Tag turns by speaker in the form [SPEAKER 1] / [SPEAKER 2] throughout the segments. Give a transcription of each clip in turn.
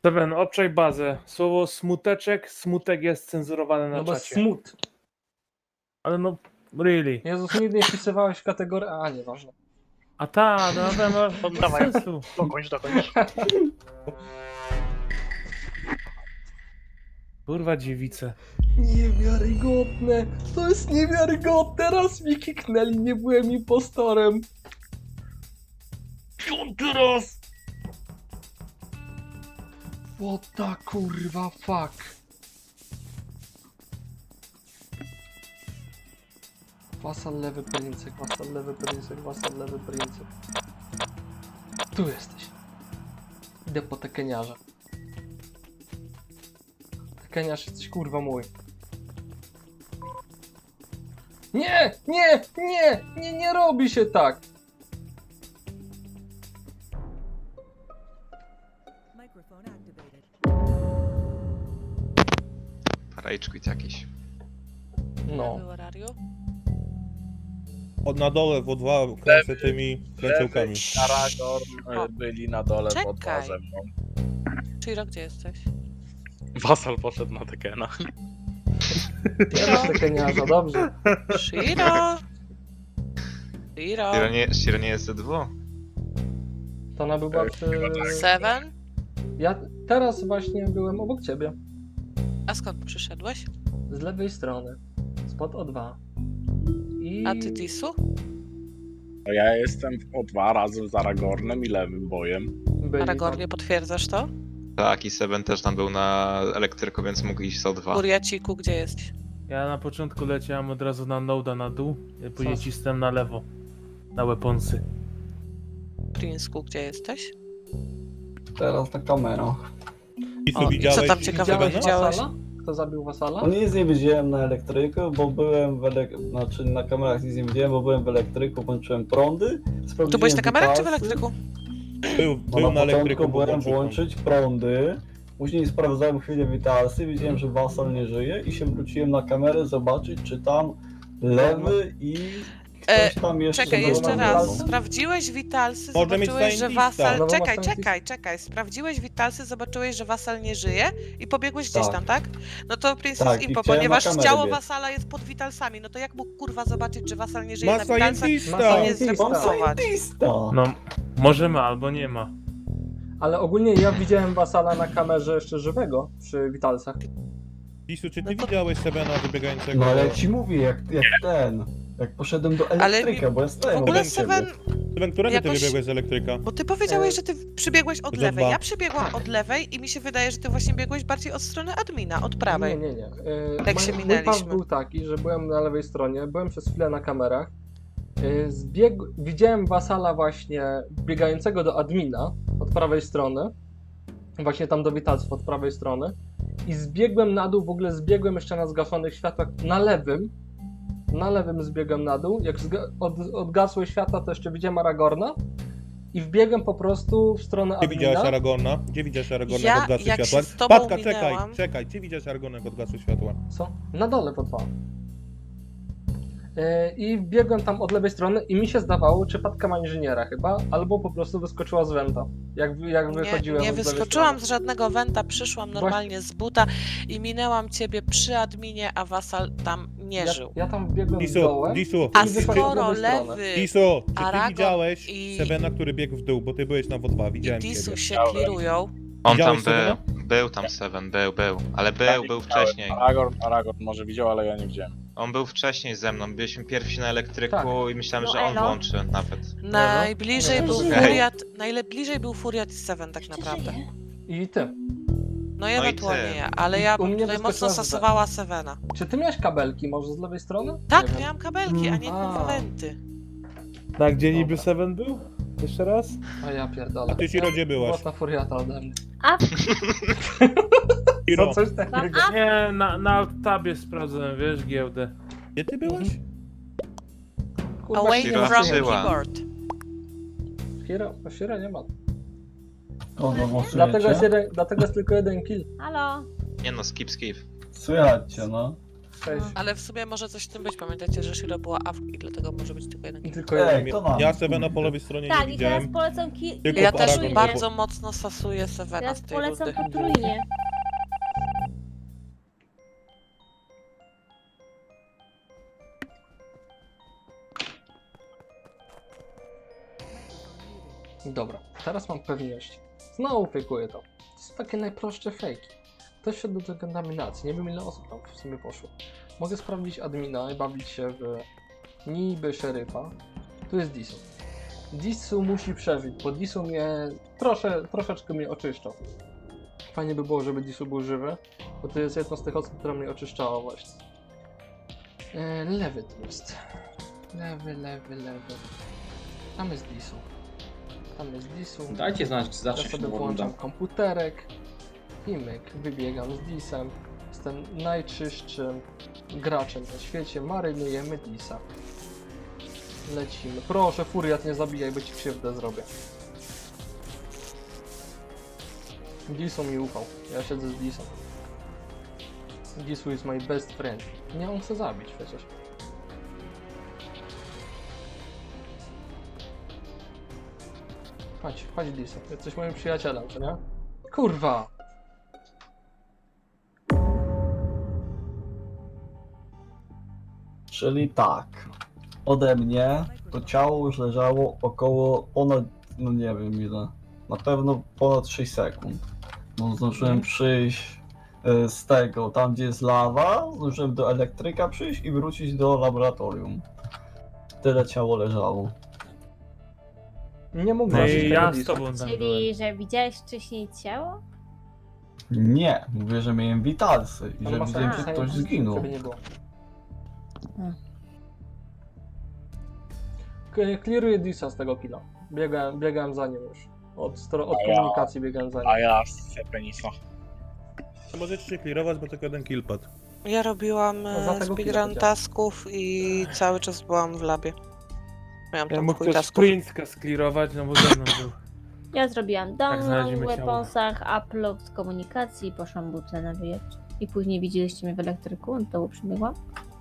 [SPEAKER 1] Seven, obczaj bazę. Słowo smuteczek, smutek jest cenzurowane na
[SPEAKER 2] No bo
[SPEAKER 1] czacie.
[SPEAKER 2] smut.
[SPEAKER 1] Ale no, really.
[SPEAKER 2] Jezus, nigdy nie wpisywałeś w kategorię... A, nieważne.
[SPEAKER 1] A ta, no to ma
[SPEAKER 3] Dawaj.
[SPEAKER 1] sensu.
[SPEAKER 3] Dokończ.
[SPEAKER 1] Kurwa dziewice.
[SPEAKER 2] Niewiarygodne! To jest niewiarygodne! Raz mi kiknęli, nie byłem impostorem! 5. raz! What the kurwa fuck? Wasal lewy princek, wasal lewy princek, wasal lewy princek. Tu jesteś. Idę po tekeniarza. Tekeniarz, jesteś kurwa mój. Nie! Nie! Nie! Nie, nie robi się tak!
[SPEAKER 4] Rage quit jakiś.
[SPEAKER 2] No.
[SPEAKER 5] Na dole w O2 kręcę tymi kręcełkami.
[SPEAKER 3] Aragorn byli na dole
[SPEAKER 6] Czekaj.
[SPEAKER 3] pod bazem. No.
[SPEAKER 6] Shiro, gdzie jesteś?
[SPEAKER 3] Wasal poszedł na Tekena.
[SPEAKER 2] Ja masz tekeniarza, dobrze.
[SPEAKER 6] Shiro! Shiro!
[SPEAKER 4] Shiro nie jest Z2?
[SPEAKER 2] To ona była przy...
[SPEAKER 6] Seven?
[SPEAKER 2] Ja teraz właśnie byłem obok ciebie.
[SPEAKER 6] A skąd przyszedłeś?
[SPEAKER 2] Z lewej strony. Spod O2. I...
[SPEAKER 6] A ty Tisu?
[SPEAKER 3] No ja jestem o 2 razem z Aragornem i lewym bojem.
[SPEAKER 2] byli
[SPEAKER 6] Aragornie, potwierdzasz to?
[SPEAKER 4] Tak, i Seben też tam był na elektryku, więc mógł iść z O2.
[SPEAKER 6] Furiaciku, gdzie jesteś?
[SPEAKER 1] Ja na początku leciałem od razu na Noda na dół, później
[SPEAKER 2] Co?
[SPEAKER 1] cisnąłem na lewo. Na weaponsy.
[SPEAKER 6] Prinsku, gdzie jesteś?
[SPEAKER 7] Teraz ta kamera.
[SPEAKER 5] I
[SPEAKER 6] O,
[SPEAKER 5] co
[SPEAKER 6] i co tam
[SPEAKER 5] widziałeś?
[SPEAKER 6] ciekawego
[SPEAKER 5] Sebena?
[SPEAKER 6] widziałeś?
[SPEAKER 2] Wasala? Kto zabił Wasala?
[SPEAKER 7] No nic nie widziałem na elektryku, bo byłem znaczy na kamerach nic nie widziałem, bo byłem w elektryku, włączyłem prądy.
[SPEAKER 6] Tu byłeś na kamerach czy w
[SPEAKER 7] witalsy.
[SPEAKER 6] elektryku?
[SPEAKER 5] Był
[SPEAKER 7] No
[SPEAKER 5] na
[SPEAKER 7] na
[SPEAKER 5] elektryku,
[SPEAKER 7] początku
[SPEAKER 5] bo
[SPEAKER 7] byłem
[SPEAKER 5] włączył
[SPEAKER 7] włączyć prądy. Później sprawdzałem chwilę witalsy, widziałem, że Wasal nie żyje i się wróciłem na kamerę zobaczyć, czy tam lewy i ktoś tam jeszcze
[SPEAKER 6] Czekaj,
[SPEAKER 7] był
[SPEAKER 6] jeszcze
[SPEAKER 7] na
[SPEAKER 6] raz.
[SPEAKER 7] dole.
[SPEAKER 6] Sprawdziłeś witalsy,
[SPEAKER 5] Może mieć
[SPEAKER 6] zobaczyłeś, że
[SPEAKER 5] scientista.
[SPEAKER 6] Wasal...
[SPEAKER 2] No bo ma
[SPEAKER 6] Czekaj,
[SPEAKER 2] scientista.
[SPEAKER 6] czekaj. Sprawdziłeś witalsy, zobaczyłeś, że Wasal nie żyje i pobiegłeś gdzieś
[SPEAKER 7] Tak.
[SPEAKER 6] tam, tak? No to Princess
[SPEAKER 7] Tak, i
[SPEAKER 6] Impo,
[SPEAKER 7] chciałem
[SPEAKER 6] ponieważ
[SPEAKER 7] na kamerę
[SPEAKER 6] ciało
[SPEAKER 7] biec.
[SPEAKER 6] Wasala jest pod witalsami, no to jak mógł kurwa zobaczyć, że Wasal nie żyje
[SPEAKER 5] Ma
[SPEAKER 6] na witalsach?
[SPEAKER 5] scientista!
[SPEAKER 2] Ma
[SPEAKER 6] Nie
[SPEAKER 2] scientista.
[SPEAKER 7] Mam
[SPEAKER 6] zreportować.
[SPEAKER 7] scientista!
[SPEAKER 1] No, może ma albo nie ma.
[SPEAKER 2] Ale ogólnie ja widziałem Wasala na kamerze jeszcze żywego przy witalsach.
[SPEAKER 5] Lisu, czy ty
[SPEAKER 6] No to-
[SPEAKER 5] widziałeś Sebena wybiegającego?
[SPEAKER 7] No ale ja ci mówię, jak poszedłem do elektryka, bo ja
[SPEAKER 6] W
[SPEAKER 7] stałem
[SPEAKER 6] ogóle
[SPEAKER 7] obok ciebie.
[SPEAKER 6] Seven,
[SPEAKER 5] Seben, którego ty
[SPEAKER 6] jakoś-
[SPEAKER 5] wybiegłeś z elektryka?
[SPEAKER 6] bo ty powiedziałeś, że ty przybiegłeś od
[SPEAKER 5] Za
[SPEAKER 6] lewej.
[SPEAKER 5] dwa.
[SPEAKER 6] Ja przybiegłam od lewej i mi się wydaje, że ty właśnie biegłeś bardziej od strony admina, od prawej.
[SPEAKER 2] Nie.
[SPEAKER 6] Jak się
[SPEAKER 2] Mój
[SPEAKER 6] minęliśmy.
[SPEAKER 2] pas był taki, że byłem na lewej stronie, byłem przez chwilę na kamerach. Widziałem Wasala właśnie biegającego do admina od prawej strony. Właśnie tam do witalców od prawej strony. I zbiegłem na dół, w ogóle zbiegłem jeszcze na zgaszonych światłach na lewym. Na lewym zbiegłem na dół. Jak odgasły światła, to jeszcze widziałem Aragorna. I wbiegłem po prostu w stronę
[SPEAKER 5] Gdzie widziałeś
[SPEAKER 2] admina.
[SPEAKER 5] Aragorna? Gdzie widziałeś Aragorna,
[SPEAKER 6] Ja,
[SPEAKER 5] jak odgasły
[SPEAKER 6] jak się
[SPEAKER 5] światła?
[SPEAKER 6] z tobą
[SPEAKER 5] Patka,
[SPEAKER 6] minęłam-
[SPEAKER 5] czekaj, gdzie widziałeś Aragorna, jak odgasły światła?
[SPEAKER 2] Co? Na dole po dwa. I biegłem tam od lewej strony i mi się zdawało, czy Patka ma inżyniera chyba, albo po prostu wyskoczyła z wenta. Jak wychodziłem
[SPEAKER 6] Nie
[SPEAKER 2] od lewej
[SPEAKER 6] wyskoczyłam
[SPEAKER 2] strony.
[SPEAKER 6] z żadnego wenta, przyszłam normalnie z buta i minęłam ciebie przy adminie, a Wasal tam nie żył.
[SPEAKER 2] Ja tam biegłem z
[SPEAKER 5] Lisu,
[SPEAKER 2] dołem.
[SPEAKER 5] Lisu,
[SPEAKER 6] A
[SPEAKER 2] i wychodziłem od
[SPEAKER 6] skoro
[SPEAKER 2] lewej strony.
[SPEAKER 6] lewy
[SPEAKER 5] Lisu, czy ty
[SPEAKER 6] Aragorn
[SPEAKER 5] widziałeś
[SPEAKER 6] i-
[SPEAKER 5] Sebena, który biegł w dół, bo ty byłeś na W2,
[SPEAKER 6] i
[SPEAKER 5] widziałem
[SPEAKER 6] Tisu
[SPEAKER 5] ciebie.
[SPEAKER 6] się clearują,
[SPEAKER 4] On tam
[SPEAKER 5] Widziałeś Sebena?
[SPEAKER 4] był tam Seven, był. Ale był wcześniej.
[SPEAKER 3] Aragorn może widział, ale ja nie widziałem.
[SPEAKER 4] On był wcześniej ze mną, byliśmy pierwsi na elektryku
[SPEAKER 2] Tak.
[SPEAKER 4] i myślałem,
[SPEAKER 6] No
[SPEAKER 4] że on
[SPEAKER 6] elo.
[SPEAKER 4] włączy nawet.
[SPEAKER 6] najbliżej był
[SPEAKER 4] Okej.
[SPEAKER 6] Furiat, najbliżej był Furiat i Seven tak naprawdę.
[SPEAKER 2] I ty.
[SPEAKER 6] No i ewentualnie
[SPEAKER 4] ty.
[SPEAKER 6] ja, ale ja
[SPEAKER 2] U
[SPEAKER 6] bym
[SPEAKER 2] mnie
[SPEAKER 6] tutaj mocno
[SPEAKER 2] wyskoczyła z B.
[SPEAKER 6] stosowała Sevena.
[SPEAKER 2] Czy ty miałeś kabelki może z lewej strony?
[SPEAKER 6] Tak,
[SPEAKER 2] Nie wiem.
[SPEAKER 6] miałam kabelki, a nie
[SPEAKER 2] A.
[SPEAKER 6] kurwa wenty.
[SPEAKER 1] Na gdzie niby
[SPEAKER 2] Dobra.
[SPEAKER 1] Seven był? Jeszcze raz?
[SPEAKER 2] A ja pierdolę.
[SPEAKER 5] A ty, Ciro, gdzie byłaś?
[SPEAKER 2] Mocna furiata ode mnie.
[SPEAKER 5] Ciro,
[SPEAKER 2] No coś takiego.
[SPEAKER 1] Nie, na tabie sprawdzałem, wiesz, giełdę.
[SPEAKER 5] gdzie ty byłaś?
[SPEAKER 2] Kurwa,
[SPEAKER 6] Away
[SPEAKER 4] Shiro
[SPEAKER 6] from
[SPEAKER 4] żyła.
[SPEAKER 6] keyboard.
[SPEAKER 2] Shiro nie ma.
[SPEAKER 7] Kogo głosujecie?
[SPEAKER 2] Dlatego jest tylko jeden kill.
[SPEAKER 8] Halo?
[SPEAKER 4] Nie no, skip.
[SPEAKER 7] Słychać cię, no.
[SPEAKER 2] Cześć.
[SPEAKER 6] Ale w sumie może coś w tym być. Pamiętajcie, że Shiro była AFK i dlatego może być tylko jeden
[SPEAKER 2] I
[SPEAKER 6] kill.
[SPEAKER 2] tylko jeden.
[SPEAKER 7] to nam.
[SPEAKER 5] Ja Sevena po lewej stronie
[SPEAKER 8] Tak,
[SPEAKER 5] nie
[SPEAKER 8] i teraz
[SPEAKER 5] widziałem.
[SPEAKER 8] polecam
[SPEAKER 5] Tylko
[SPEAKER 6] Ja
[SPEAKER 5] po
[SPEAKER 6] też
[SPEAKER 5] Aragon
[SPEAKER 6] bardzo mocno sasuję Sevena
[SPEAKER 8] teraz
[SPEAKER 6] z tej
[SPEAKER 8] polecam
[SPEAKER 6] rundy.
[SPEAKER 8] potrójnie.
[SPEAKER 2] Dobra, teraz mam pewność. Znowu fejkuję to. To są takie najprostsze fejki. Ktoś szedł do kontaminacji, nie wiem ile osób tam w sumie poszło. Mogę sprawdzić admina i bawić się w niby szeryfa. Tu jest Disu. Disu musi przeżyć, bo Disu mnie troszeczkę mnie oczyszczał. Fajnie by było, żeby Disu był żywy, bo to jest jedna z tych osób, która mnie oczyszczała właśnie. Lewy tu jest. Lewy. Tam jest Disu. Tam jest Disu.
[SPEAKER 9] Dajcie znać, czy
[SPEAKER 2] Ja
[SPEAKER 9] zawsze
[SPEAKER 2] sobie
[SPEAKER 9] się
[SPEAKER 2] włączam
[SPEAKER 9] runda.
[SPEAKER 2] komputerek i myk, wybiegam z Disem. Jestem najczystszym graczem na świecie, marynujemy Disa. Lecimy. Proszę, Furiat, nie zabijaj, bo ci krzywdę zrobię. Disu mi ufał. Ja siedzę z Disem. Disu is my best friend. Nie, on chce zabić przecież. Chodź Disu. Jesteś moim przyjacielem, co nie? Kurwa!
[SPEAKER 7] Czyli tak, ode mnie to ciało już leżało około ponad, no nie wiem ile, na pewno ponad 6 sekund. No zdążyłem przyjść z tego, tam gdzie jest lawa, zdążyłem do elektryka przyjść i wrócić do laboratorium. Tyle ciało leżało.
[SPEAKER 2] Nie mógł
[SPEAKER 1] No
[SPEAKER 2] zabić
[SPEAKER 1] i
[SPEAKER 2] tego
[SPEAKER 1] ja z
[SPEAKER 2] Disa.
[SPEAKER 1] tobą tam byłem.
[SPEAKER 8] Czyli, że widziałeś wcześniej ciało?
[SPEAKER 7] Nie, mówię, że miałem witalsy i
[SPEAKER 2] On
[SPEAKER 7] że
[SPEAKER 2] ma
[SPEAKER 7] widziałem,
[SPEAKER 2] sens,
[SPEAKER 7] że ktoś zginął.
[SPEAKER 2] żeby nie było.
[SPEAKER 8] Hmm.
[SPEAKER 2] Clearuję Disa z tego killa. Biegałem za nim już. Od komunikacji biegałem za nim.
[SPEAKER 3] A ja z Penisa.
[SPEAKER 5] Możecie się clearować, bo tylko jeden kill padł.
[SPEAKER 6] Ja robiłam
[SPEAKER 2] No, za tego chwilę
[SPEAKER 6] speedrun
[SPEAKER 2] powiedziałem.
[SPEAKER 6] tasków i cały czas byłam w labie. Miałam
[SPEAKER 1] Ja
[SPEAKER 6] tam
[SPEAKER 1] mógł
[SPEAKER 6] chuj
[SPEAKER 1] też
[SPEAKER 6] tasków.
[SPEAKER 1] Prinska sklirować, no bo ze mną był.
[SPEAKER 8] Ja zrobiłam download
[SPEAKER 1] znaleźliśmy
[SPEAKER 8] w
[SPEAKER 1] ciało.
[SPEAKER 8] weaponsach, upload z komunikacji, poszłam butlę na wyjazd. I później widzieliście mnie w elektryku, do dołu przybiegłam.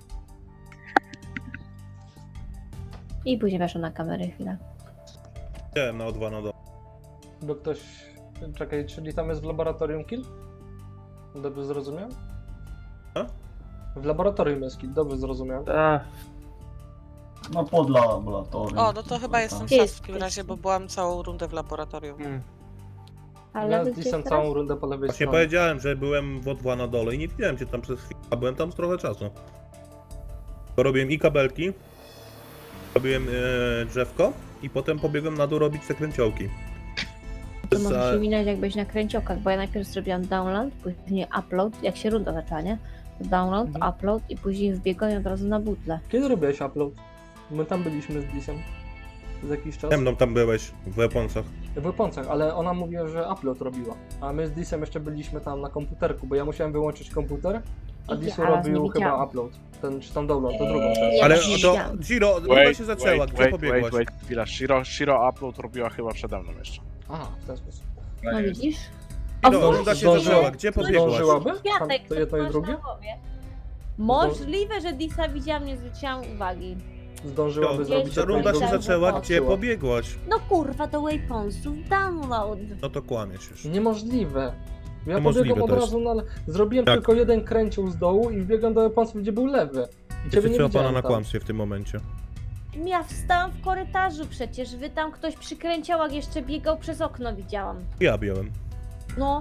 [SPEAKER 8] I później weszłam na kamerę chwilę.
[SPEAKER 5] Widziałem na O2 na dole.
[SPEAKER 2] Bo ktoś... Czekaj, czyli tam jest w laboratorium kill? Dobrze zrozumiałem?
[SPEAKER 5] A?
[SPEAKER 2] W laboratorium jest kill, dobrze zrozumiałem.
[SPEAKER 1] A,
[SPEAKER 7] No pod laboratorium.
[SPEAKER 6] O, no to chyba jestem
[SPEAKER 8] Jest,
[SPEAKER 6] sas w takim razie, bo byłam całą rundę w laboratorium.
[SPEAKER 8] Ale
[SPEAKER 2] Ja z
[SPEAKER 8] wy gdzieś
[SPEAKER 2] Disem
[SPEAKER 8] teraz?
[SPEAKER 2] całą rundę po lewej
[SPEAKER 5] Właśnie
[SPEAKER 2] stronie.
[SPEAKER 5] powiedziałem, że byłem w O2 na dole i nie widziałem cię tam przez chwilę, a byłem tam z trochę czasu. To robiłem i kabelki, robiłem drzewko i potem pobiegłem na dół robić te kręciołki.
[SPEAKER 8] To może się minąć jakbyś na kręciokach, bo ja najpierw zrobiłam download, później upload, jak się runda zaczęła, nie? To download, upload i później wbiegłem od razu na butlę.
[SPEAKER 2] Kiedy robiłeś upload? My tam byliśmy z Disem. Z jakiś czas.
[SPEAKER 5] Ze mną tam byłeś, w weaponsach.
[SPEAKER 2] W weaponsach, ale ona mówiła, że upload robiła. A my z Disem jeszcze byliśmy tam na komputerku, bo ja musiałem wyłączyć komputer, a
[SPEAKER 8] I
[SPEAKER 2] Disu
[SPEAKER 8] ja raz
[SPEAKER 2] robił
[SPEAKER 8] nie
[SPEAKER 2] chyba
[SPEAKER 8] widziałam.
[SPEAKER 2] upload. Ten, czy tam download, to drugą część.
[SPEAKER 8] Ja
[SPEAKER 5] Ale
[SPEAKER 8] nie
[SPEAKER 5] to,
[SPEAKER 8] widziałam.
[SPEAKER 5] Giro, runda się zaczęła, gdzie pobiegłaś?
[SPEAKER 3] Chwila, Shiro upload robiła chyba przede mną jeszcze.
[SPEAKER 2] Aha, w ten sposób.
[SPEAKER 8] No widzisz?
[SPEAKER 5] Giro, runda się
[SPEAKER 2] Zdążyła.
[SPEAKER 5] zaczęła, gdzie pobiegłaś?
[SPEAKER 2] Zdążyłaby?
[SPEAKER 8] Kwiatek,
[SPEAKER 2] To jedno i
[SPEAKER 8] masz
[SPEAKER 2] drugie?
[SPEAKER 8] na głowie. Możliwe, że Disa widziałam, nie zwróciłam uwagi.
[SPEAKER 2] Zdążyłaby
[SPEAKER 8] Gdzieś
[SPEAKER 2] zrobić
[SPEAKER 5] Ta
[SPEAKER 2] jedno i
[SPEAKER 5] runda się
[SPEAKER 2] drugie?
[SPEAKER 5] zaczęła,
[SPEAKER 8] Patrzyła.
[SPEAKER 5] gdzie pobiegłaś?
[SPEAKER 8] No kurwa, do wayponsów download.
[SPEAKER 5] No to kłamiesz już.
[SPEAKER 2] Niemożliwe. Ja
[SPEAKER 5] Niemożliwe
[SPEAKER 2] pobiegłem od
[SPEAKER 5] też.
[SPEAKER 2] razu na... Zrobiłem
[SPEAKER 5] Tak.
[SPEAKER 2] tylko jeden kręcił z dołu i wbiegłem do weaponsów, gdzie był lewy. I ciebie nie
[SPEAKER 5] Trzeba pana
[SPEAKER 2] widziałem
[SPEAKER 5] na
[SPEAKER 2] tam.
[SPEAKER 5] kłamstwie w tym momencie.
[SPEAKER 8] Ja wstałam w korytarzu przecież, wy tam ktoś przy kręciołach jeszcze biegał przez okno, widziałam.
[SPEAKER 5] Ja białem.
[SPEAKER 8] No.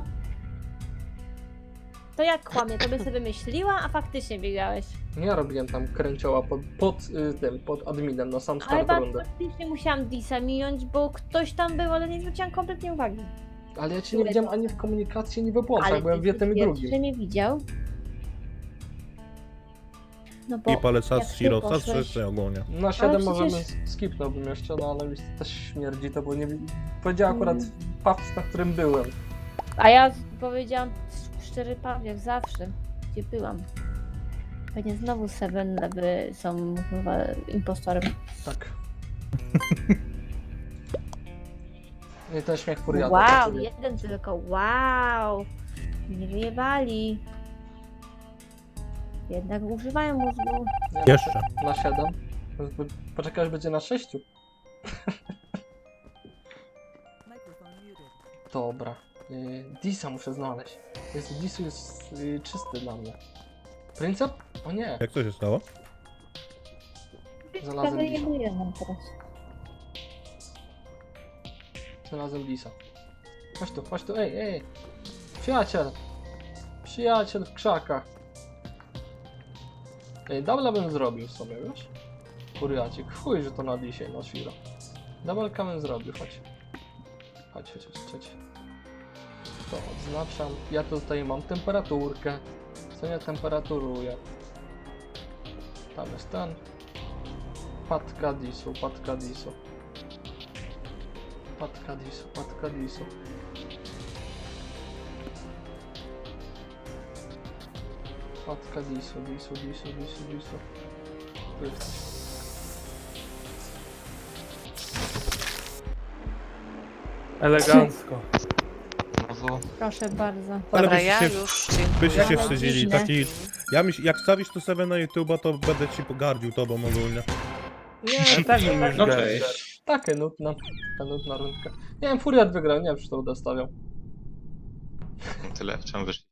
[SPEAKER 8] To jak kłamie, to by sobie wymyśliła, a faktycznie biegałeś.
[SPEAKER 2] Ja robiłem tam kręcioła pod adminem na sam
[SPEAKER 8] Ale
[SPEAKER 2] start rundy.
[SPEAKER 8] faktycznie musiałam Disa minąć, bo ktoś tam był, ale nie zwróciłam kompletnie uwagi.
[SPEAKER 2] Ale ja cię nie widziałem ani w komunikacji, ani w weaponsach, byłem w jednym i
[SPEAKER 8] pierwszy
[SPEAKER 2] drugim.
[SPEAKER 8] mnie widział. No bo
[SPEAKER 5] I palec
[SPEAKER 8] jak
[SPEAKER 5] z
[SPEAKER 8] ty
[SPEAKER 5] Shiro,
[SPEAKER 8] poszłeś-
[SPEAKER 5] czy ogólnie.
[SPEAKER 2] Na 7
[SPEAKER 8] przecież-
[SPEAKER 2] możemy skipnąłbym jeszcze, no ale mi też śmierdzi to, bo nie powiedziała akurat paw, na którym byłem.
[SPEAKER 8] A ja powiedziałam szczery jak zawsze, gdzie byłam. Pewnie znowu Seven Lewy są chyba impostorem.
[SPEAKER 2] Tak. I ten śmiech furiata.
[SPEAKER 8] Wow,
[SPEAKER 2] tak
[SPEAKER 8] jeden tylko, wow! Nie wyjebali. Jednak używają mózgu.
[SPEAKER 2] Nie,
[SPEAKER 5] Jeszcze.
[SPEAKER 2] Na 7. Poczekaj, aż będzie na 6. Dobra. Disa muszę znaleźć. Disu jest czysty dla mnie. Princep? O nie,
[SPEAKER 5] Jak to się stało?
[SPEAKER 2] znalazłem Disa.
[SPEAKER 8] Jeduję nam teraz.
[SPEAKER 2] Znalazłem Disa. Chodź tu, ej. Przyjaciel. Przyjaciel w krzakach. Dubla bym zrobił sobie, wiesz? Furiacik. Chuj, że to na dzisiaj, na świra. Dubelka bym zrobił, chodź. Chodź. To odznaczam. Ja tutaj mam temperaturkę. Co ja temperaturuję? Tam jest ten. Patka disu. Patka disu. Patka disu. Tu jesteś.
[SPEAKER 1] Elegancko.
[SPEAKER 4] Znowu.
[SPEAKER 8] Proszę bardzo.
[SPEAKER 5] Ale
[SPEAKER 6] Dobra,
[SPEAKER 5] byście
[SPEAKER 6] ja
[SPEAKER 5] się-
[SPEAKER 6] już
[SPEAKER 5] Byście się
[SPEAKER 6] dziękuję.
[SPEAKER 5] wstydzili,
[SPEAKER 8] dziwne.
[SPEAKER 5] taki... Jak wstawisz to sobie na YouTube'a, to będę ci pogardził tobą ogólnie.
[SPEAKER 2] Nie,
[SPEAKER 1] Tak mi już
[SPEAKER 9] No
[SPEAKER 1] gęś.
[SPEAKER 9] cześć.
[SPEAKER 2] takie nudna rundka. Nie wiem, Furiat wygrał, nie wiem, czy to uda stawiał.
[SPEAKER 4] Tyle, czemu wyszli?